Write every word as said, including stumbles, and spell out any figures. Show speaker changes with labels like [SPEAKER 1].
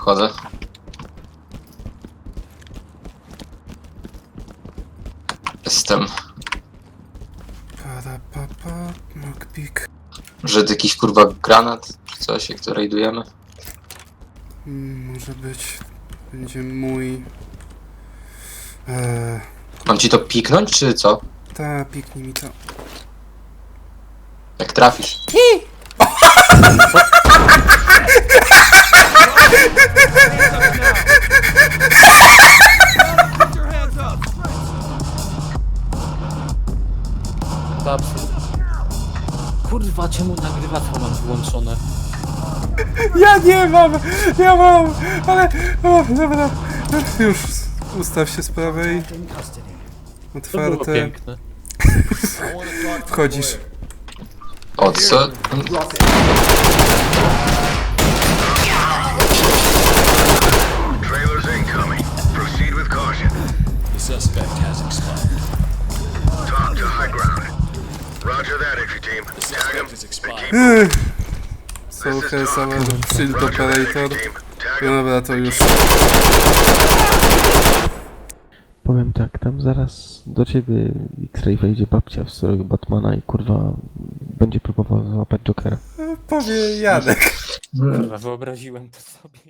[SPEAKER 1] Wchodzę. Jestem.
[SPEAKER 2] Para, pa, pa, lockpick.
[SPEAKER 1] Że jakiś kurwa granat czy coś, jak to rajdujemy.
[SPEAKER 2] Mm, może być. Będzie mój. Eee,
[SPEAKER 1] Mam ci to piknąć, czy co?
[SPEAKER 2] ta, piknij mi to.
[SPEAKER 1] Jak trafisz.
[SPEAKER 3] Babsu. Kurwa, czemu nagrywaczko mam wyłączone?
[SPEAKER 2] Ja nie mam! Ja mam! Ale. O, dobra. Już ustaw się z prawej.
[SPEAKER 3] To było
[SPEAKER 2] Otwarte.
[SPEAKER 3] piękne.
[SPEAKER 2] Wchodzisz.
[SPEAKER 1] O co?
[SPEAKER 4] Trailers incoming. Proceed with caution.
[SPEAKER 5] The suspect has expired.
[SPEAKER 4] Talk to high ground. Roger that, entry team.
[SPEAKER 5] The
[SPEAKER 4] Tag him
[SPEAKER 5] suspect is
[SPEAKER 4] and
[SPEAKER 5] expired.
[SPEAKER 4] keep
[SPEAKER 2] Ech.
[SPEAKER 4] This
[SPEAKER 2] Sołkę
[SPEAKER 4] is
[SPEAKER 2] same
[SPEAKER 4] talk.
[SPEAKER 2] shield
[SPEAKER 4] Roger that,
[SPEAKER 2] operator.
[SPEAKER 4] entry team. Tag
[SPEAKER 2] No
[SPEAKER 4] him.
[SPEAKER 2] dobra, to już.
[SPEAKER 6] Powiem tak, tam zaraz do ciebie X-Ray wejdzie babcia w stroju Batmana i kurwa będzie próbował złapać Jokera.
[SPEAKER 2] Powie Janek.
[SPEAKER 3] Kurwa, wyobraziłem to sobie.